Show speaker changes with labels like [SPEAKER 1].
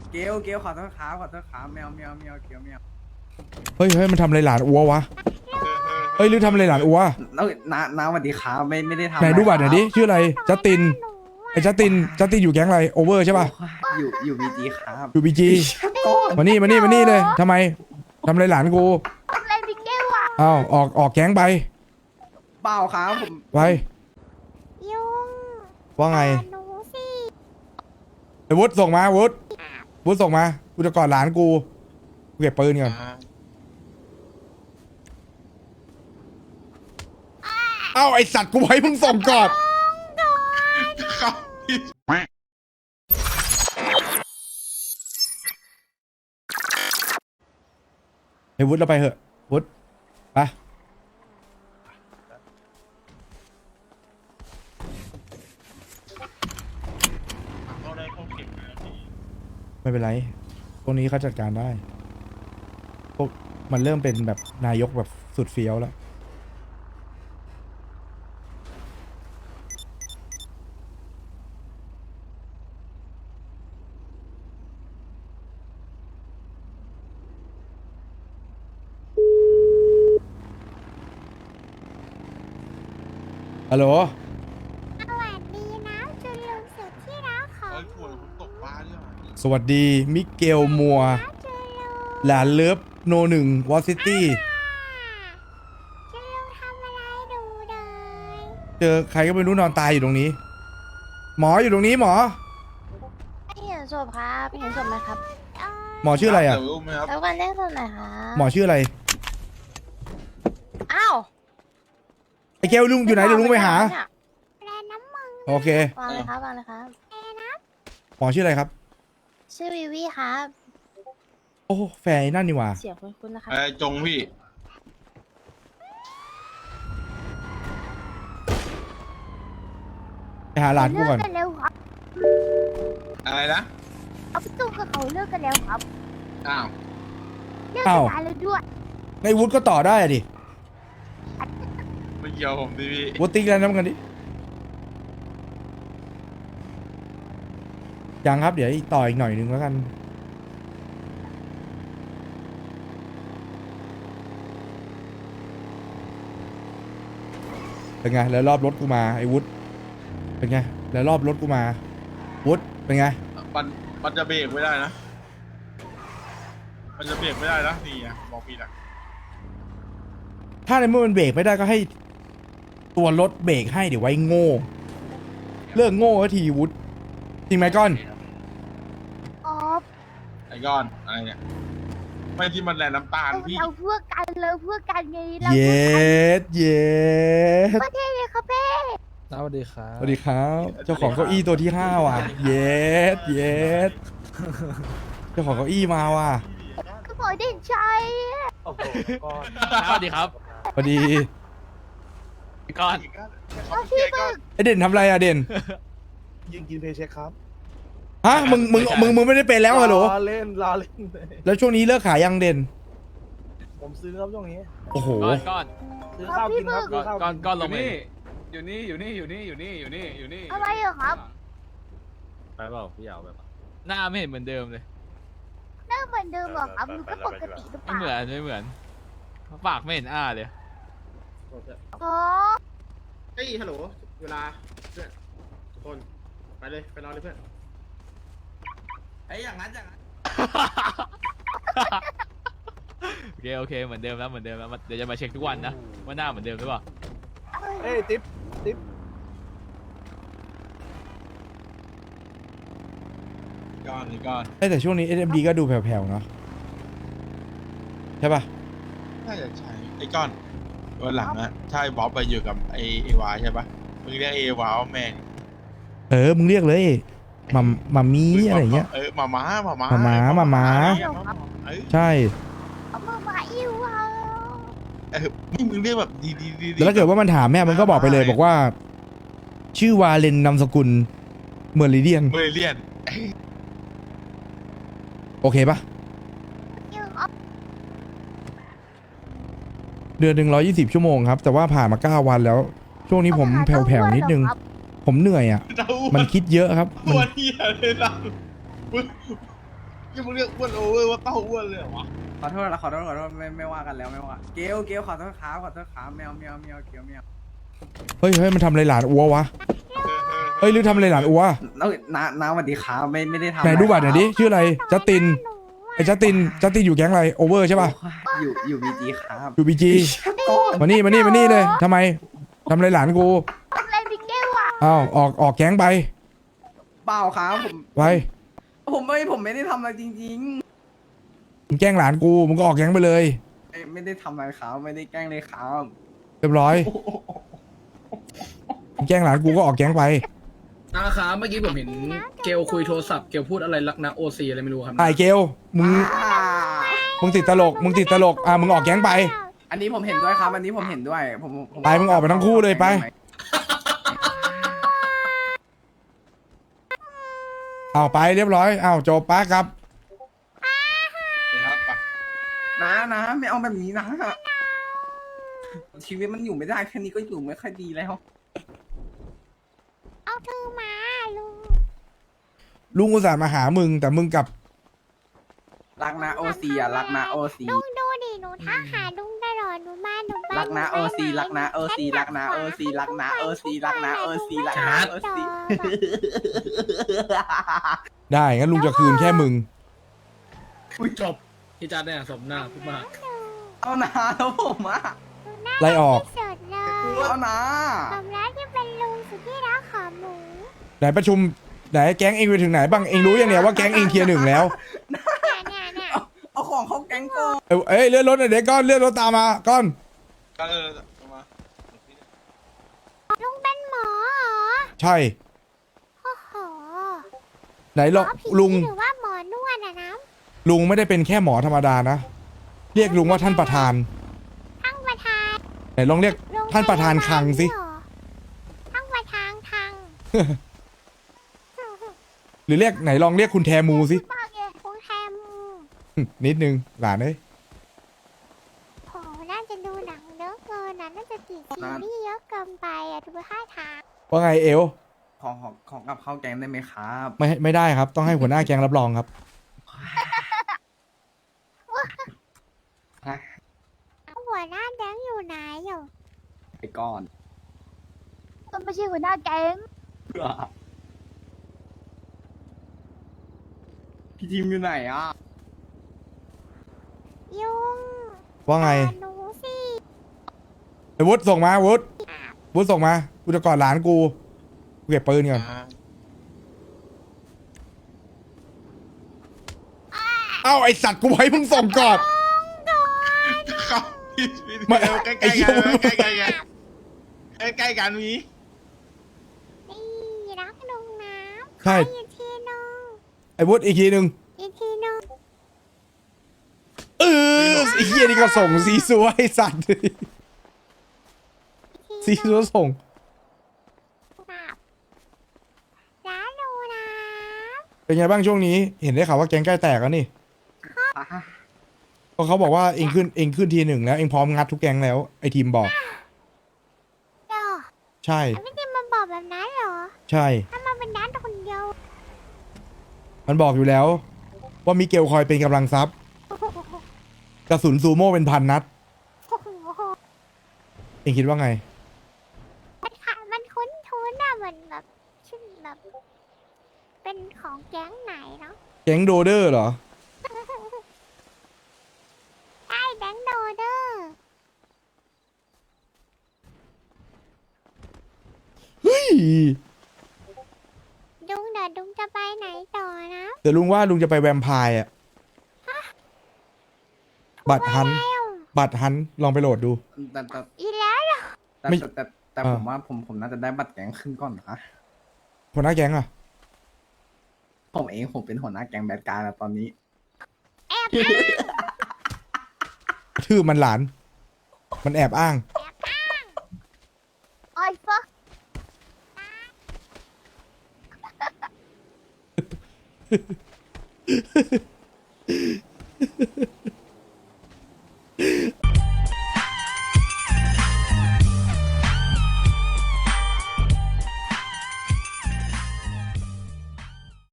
[SPEAKER 1] เกลขอโทษครับแมวเกลแมว
[SPEAKER 2] เฮ้ยมันทำอะไรหลานอัววะเฮ้ยหรือทำอะไรหลานอัว
[SPEAKER 1] น้าสวัสดีครับไม่ได้ทำ
[SPEAKER 2] ไหนดูบัตรหน่อยดิ
[SPEAKER 1] ะ
[SPEAKER 2] ชื่ออะไรจัสตินไอ้จัสตินอยู่แก๊งอะไรโอเวอร์ใช่ป่ะ
[SPEAKER 1] ครับอยู่บีจีครับ
[SPEAKER 2] อยู่บีจีมานี่เลยทำไมทำอะไรหลานกู
[SPEAKER 3] อะไรพี่เกลอ่ะ
[SPEAKER 2] อ้าวออกแก๊งไป
[SPEAKER 1] เปล่าครับผม
[SPEAKER 2] ไป
[SPEAKER 3] ยุง
[SPEAKER 2] ว่าไง
[SPEAKER 3] หนูสิ
[SPEAKER 2] ไอ้วุฒิส่งมาวุฒิส่งมากูจะกอดหลานกูเก็บปืนก่อนเอ้าไอสัตว์กูให้มึงส่งก่อนไอ้วุฒิเราไปเหอะวุฒิไปไม่เป็นไรพวกนี้เขาจัดการได้พวกมันเริ่มเป็นแบบนายกแบบสุดเฟี้ยวแล้วฮัลโหล
[SPEAKER 3] สวัสดีนะจุลุงสุดที่รักของหนู
[SPEAKER 2] สวัสดีมิเกลมัว
[SPEAKER 3] นะจุลุง
[SPEAKER 2] หลานเลิฟโนหนึ่งวอซิตี้
[SPEAKER 3] จุลุงทำอะไรดูเลย
[SPEAKER 2] เจอใครก็ไม่รู้นอนตายอยู่ตรงนี้ หมออยู่ตรงนี้หมอ
[SPEAKER 4] ไม่เห็นศพครับไม่เห็นศพไหมครับ
[SPEAKER 2] หมอชื่ออะไรอ่ะ
[SPEAKER 4] แล้วกันเล่นศพไหนครับ
[SPEAKER 2] หมอชื่ออะไร
[SPEAKER 4] อ้าว
[SPEAKER 2] ไอ้แก้วลุงอยู่ไหนเดี๋ยวลุงไปหา
[SPEAKER 4] เนี่ย
[SPEAKER 3] แปลน้ำมึง
[SPEAKER 2] โอเค
[SPEAKER 4] วางเลยครับวางเลยครับ
[SPEAKER 2] หมอชื่ออะไรครับ
[SPEAKER 4] ชื่อวิวีครับ
[SPEAKER 2] โอ้แฟนไอ้นั่นนี่หว่า
[SPEAKER 4] เสียงคุ้นๆนะครับ
[SPEAKER 5] จงพี่
[SPEAKER 2] ไปหาหลานกูก่อน
[SPEAKER 3] เลิกกันแล้วครับ
[SPEAKER 5] อะไรนะ
[SPEAKER 3] เอาพี่ตุ้มกับเขาเลิกกันแล้วครับ
[SPEAKER 5] อ้าว
[SPEAKER 3] เลิกกันนานแล้วด้วย
[SPEAKER 2] ไอ้วุฒิก็ต่อได้อะดิ
[SPEAKER 5] ไม่เกี่ยวผมดิพี่
[SPEAKER 2] วุฒิติ๊กแล้วน้ำกันดิยังครับเดี๋ยวต่ออีกหน่อยนึงแล้วกันเป็นไงแล้วรอบรถกูมาไอ้วุฒิเป็นไงแล้วรอบรถกูมาวุฒิเป็นไง
[SPEAKER 5] มันจะเบรกไม่ได้นะ มันจะเบรกไม่ได้นะนี่ไงบอกพี่นะ
[SPEAKER 2] ถ้าในเมื่อมันเบรกไม่ได้ก็ให้ตัวรถเบรกให้เดี๋ยวไว้โง่เลิกโง่สักทีวุฒิจริงไหมก้อน
[SPEAKER 3] อ๋อ
[SPEAKER 5] ไอ้ก้อนอะไรเนี่ยไม่ที่มันแลน้ำตาลพี่
[SPEAKER 3] เราเพื่อกันเลยเพื่อกันไงเรา
[SPEAKER 2] เย็ดเย็ด
[SPEAKER 3] ประเทศเลยครับเพ่
[SPEAKER 6] สวัสดีครับ
[SPEAKER 2] สวัสดีครับเจ้าของเก้าอี้ตัวที่5ว่ะเย็ดเย็ดเจ้าของเก้าอี้มาว่ะ
[SPEAKER 3] ก็บอกเด่นชัย
[SPEAKER 6] โอ้โหก้อน
[SPEAKER 7] สวัสดีครับ
[SPEAKER 2] สวัสดี
[SPEAKER 7] พี่ก้อน
[SPEAKER 3] เอาพี่มึง
[SPEAKER 2] ไอเด่นทำอะไรอะเด่น
[SPEAKER 6] ยิงกินเพย์เช็คครับ
[SPEAKER 2] ฮะมึงไม่ได้เป็นแล้วเหรอ
[SPEAKER 6] ล้อเล่น
[SPEAKER 2] แล้วช่วงนี้เลิกขายยังเด่น
[SPEAKER 6] ผมซื้อครับช่วงนี้
[SPEAKER 2] โอ้โห
[SPEAKER 7] ก้อน
[SPEAKER 6] ซื้อข้าวกินครับซื้อข้าว
[SPEAKER 7] ก้อน
[SPEAKER 6] กิน
[SPEAKER 7] ลงไป
[SPEAKER 1] อยู่นี่
[SPEAKER 3] อะไรเหรอครับ
[SPEAKER 6] ไปเปล่าพี่ยาวไปเปล่า
[SPEAKER 7] หน้าไม่เห็นเหมือนเดิมเลย
[SPEAKER 3] หน้าเหมือนเดิมเหรอครับหนูก็ปกติหรือเป
[SPEAKER 7] ไม่
[SPEAKER 3] ล่า
[SPEAKER 7] เหมือนปากไม่เห็นอ้าเลย
[SPEAKER 3] อ๋อ
[SPEAKER 8] เฮ้ยฮัลโหล เวลาเพื่อนทุกคน ไปเลย ไปรอเลยเพื่อน
[SPEAKER 1] ไอ้อย่างนั้น
[SPEAKER 7] โอเคเหมือนเดิมแล้วเดี๋ยวจะมาเช็คทุกวันนะว่าหน้าเหมือนเดิมหรือเปล่า
[SPEAKER 6] เอ้ยติ๊บ
[SPEAKER 5] ก้อนไอ้ก้อน
[SPEAKER 2] แต่ช่วงนี้ SMD ก็ดูแผ่วๆเนาะใช่ป่ะ
[SPEAKER 5] น่าจะใช่ไอ้ก้อนวันหลังอะถ้าไอ้บ๊อบไปอยู่กับไอ้วาใช่ปะมึงเรียกไอ้วาว่าแม่ง
[SPEAKER 2] มึงเรียกเลยมามีอะไรเงี้ย
[SPEAKER 5] มาม้า เออ
[SPEAKER 2] ใช่
[SPEAKER 3] เอามาอิวเอา
[SPEAKER 5] ไม่มึงเรียกแบบดี
[SPEAKER 2] แล้วถ้าเกิดว่ามันถามแม่มันก็บอกไปเลยบอกว่า ชื่อวาเลนนามสกุลเมอริเดียน
[SPEAKER 5] เบรเลียน
[SPEAKER 2] โอเคปะ
[SPEAKER 3] อิวเอา
[SPEAKER 2] เดือนหนึ่ง120 ชั่วโมงครับ แต่ว่าผ่านมา9 วันแล้ว ช่วงนี้ผมแผ่วๆนิดนึง ผมเหนื่อยอ่ะ มันคิดเยอะครับ
[SPEAKER 5] ตัวเหี้ยเลยนะยังมึงเรียกอ้วนโอเวอร์ว่าเต้าอ้วนเลยเหรอวะ
[SPEAKER 1] ขอโทษนะขอโทษไม่ว่ากันแล้วไม่ว่าเกลขอโทษครับแมวเกลแมว
[SPEAKER 2] เฮ้ยมันทำอะไรหลานอัววะเฮ้ยหรือทำอะไรหลานอัว
[SPEAKER 1] แล้วน้าสวัสดีครับไม่ได้ทำ
[SPEAKER 2] ไหนดูบัตรหน่อยดิชื่ออะไรจัสตินไอ้จัสตินอยู่แก๊งอะไรโอเวอร์ใช่ป่ะ
[SPEAKER 1] อยู่บีจีครับ
[SPEAKER 2] อยู่บีจีมานี่เลยทำไมทำอะไรหลานกู
[SPEAKER 4] อะไรพี่เกลอ่ะ
[SPEAKER 2] อ้าวออกแก๊งไป
[SPEAKER 1] เปล่าครับผม
[SPEAKER 2] ไป
[SPEAKER 1] ผมไม่ได้ทำอะไรจริง
[SPEAKER 2] มึงแกล้งหลานกูมึงก็ออกแก๊งไปเลย
[SPEAKER 1] ๆไม่ได้ทำอะไรครับไม่ได้แกล้งเลยครับ
[SPEAKER 2] เรียบร้อยมึงแกล้งหลานกูก็ออกแก๊งไป
[SPEAKER 9] นะครับเมื่อกี้ผมเห็นเกลคุยโทรศัพท์เกลพูดอะไรรักนะโอซีอะไรไม่รู้ครับ
[SPEAKER 2] ไอ้เกลมึงติดตลกมึงออกแก๊งไป
[SPEAKER 1] อันนี้ผมเห็นด้วยครับ อันนี้ผมเห็นด้วยผม
[SPEAKER 2] ไปมึงออกไปทั้งคู่เลยไป เอาไปเรียบร้อยเอาจบป้าครับ
[SPEAKER 5] ครับไป
[SPEAKER 1] นะไม่เอาแบบนี้นะชีวิตมันอยู่ไม่ได้แค่นี้ก็อยู่ไม่ค่อยดีแล้ว
[SPEAKER 3] เอาเธอมาลุง
[SPEAKER 2] ลุงอุตส่าห์มาหามึงแต่มึงกลับ
[SPEAKER 1] รักนะโอซีอะรักนะโอซี
[SPEAKER 3] ลุงดูดิหนูทักหาลุงตลอดหนูมา
[SPEAKER 1] รักนะโอซีรักนะโอซีรักนะโอซีรักนะโอซีรักนะโอซีรักนะโอซี
[SPEAKER 2] ได้งั้นลุงจะคืนแค่มึง
[SPEAKER 9] จบพี่จัดเนี่ยสมหน้าพูดมาก
[SPEAKER 1] เอานะแล้วผมอะ
[SPEAKER 2] ไล่ออก
[SPEAKER 3] สุดเลย
[SPEAKER 1] เอานะ
[SPEAKER 3] สมรักที่เป็นลุงสุดที่รักของหนู
[SPEAKER 2] ไหนประชุมไหนแก๊งเองไปถึงไหนบ้างเองรู้ยังเนี่ยว่าแก๊งเองเทียร์หนึ่งแล้ว
[SPEAKER 3] เนี่ย
[SPEAKER 1] เอาของเข้าแก๊งก่อน
[SPEAKER 2] เอ้ยเลื่อนรถหน่อยเด็กก้อนเลื่อนรถตามมาก้อน
[SPEAKER 5] ก็เลยมา
[SPEAKER 3] ลุงเป็นหมอเหรอ
[SPEAKER 2] ใช่
[SPEAKER 3] โอ้โห
[SPEAKER 2] ไหน
[SPEAKER 3] หม
[SPEAKER 2] ล
[SPEAKER 3] อ
[SPEAKER 2] อง
[SPEAKER 3] ผี
[SPEAKER 2] ลุง
[SPEAKER 3] หรือว่าหมอนวดอะนะ
[SPEAKER 2] ลุงไม่ได้เป็นแค่หมอธรรมดานะเรียกลุงว่าท่านประธาน
[SPEAKER 3] ทั้งประธาน
[SPEAKER 2] ไหนลองเรียก
[SPEAKER 3] ลุง
[SPEAKER 2] ท่านประธานคลังสิ
[SPEAKER 3] เหรอทั้งประธานคลัง
[SPEAKER 2] หรือเรียกไหนลองเรียกคุณแทมูสิ
[SPEAKER 3] มากเลยคุณแฮม
[SPEAKER 2] นิดนึงหลานเอ้ย
[SPEAKER 3] โหน่าจะดูหนังเยอะเกินนะน่าจะติดซีรีส์เยอะเกินไปอะดูท่าทาง
[SPEAKER 2] ว่าไงเอล
[SPEAKER 1] ของกับเข้าแก๊งได้ไหมครับ
[SPEAKER 2] ไม่ได้ครับต้องให้หัวหน้าแก๊งรับรองครับ
[SPEAKER 3] หัวหน้าแดงอยู่ไหนอยู่
[SPEAKER 1] ไปก่อน
[SPEAKER 4] ก็ไม่ใช่หัวหน้าแก๊ง
[SPEAKER 1] พี่ทีมอยู่ไหนอ่ะ
[SPEAKER 3] ยุง
[SPEAKER 2] ว่าไง
[SPEAKER 3] ต่อหนูสิ
[SPEAKER 2] ไอ้วุฒิส่งมาวุฒิส่งมากูจะกอดหลานกูเก็บปืนก่อนเอ้าไอสัตว์กูให้มึงส่งก่อน
[SPEAKER 5] ครับพี่
[SPEAKER 2] ไม่
[SPEAKER 5] ใกล้
[SPEAKER 2] ไอ้
[SPEAKER 5] ๆ
[SPEAKER 2] เหี้
[SPEAKER 5] กั
[SPEAKER 2] ย
[SPEAKER 5] นใกล้ๆกันใกล้ๆกันมี
[SPEAKER 3] นี่รักลุงน้
[SPEAKER 2] ใช่
[SPEAKER 3] ำอีกทีนึง
[SPEAKER 2] ไอ้วุฒิอีกทีหนึ่ง
[SPEAKER 3] อีกทีนึง
[SPEAKER 2] ไอ้เหี้ยนี่ก็ส่งซีซัวไอสัตว์ซีซัวส่ง
[SPEAKER 3] แบบร้านลุงน้
[SPEAKER 2] เป็นไงบ้างช่วงนี้ เห็นได้ข่าวว่าแก๊งใกล้แตกแล้วนี่ก็เขาบอกว่าเองขึ้นทีหนึ่งแล้วเองพร้อมงัดทุกแก๊งแล้วไอทีมบอก
[SPEAKER 3] ำเดี๋ยว
[SPEAKER 2] ใช่
[SPEAKER 3] ไม่ได้มาบอกแบบนั้นเหรอ
[SPEAKER 2] ใช่
[SPEAKER 3] ถ้ามาเป็นร้านคนเดียว
[SPEAKER 2] มันบอกอยู่แล้ว ว่ามิเกลคอยเป็นกำลังทรัพย์กระสุนซูโม่เป็นพันนัด
[SPEAKER 3] โอ้โห
[SPEAKER 2] เองคิดว่าไง
[SPEAKER 3] มันคุ้นๆอะเหมือนแบบชื่อแบบ เป็นของแก๊งไหนเนาะ
[SPEAKER 2] แก๊งโดเดอร์เหรอ
[SPEAKER 3] ใช่แบงค์โดเดอร์
[SPEAKER 2] เฮ้ย
[SPEAKER 3] ดุงเดี๋ยวดุงจะไปไหนต่อนะ
[SPEAKER 2] เดี๋ยวลุงว่าลุงจะไปแวมไพร์อะบัตรฮัน
[SPEAKER 3] แล้ว
[SPEAKER 2] บัตรฮันลองไปโหลดดู
[SPEAKER 1] แต่
[SPEAKER 3] อีแล้วเหรอ
[SPEAKER 2] ไม่
[SPEAKER 1] แต่ผมว่าผมน่าจะได้บัตรแก๊งขึ้นก่อนนะ
[SPEAKER 2] หัวหน้าแก๊งอะ
[SPEAKER 1] ผมเป็นหัวหน้าแก๊งแบดการ์แล้วตอนนี้
[SPEAKER 3] แอบอ้าง
[SPEAKER 2] ชื่อมันหลาน มันแอบอ้าง
[SPEAKER 4] ไอ้ฟัก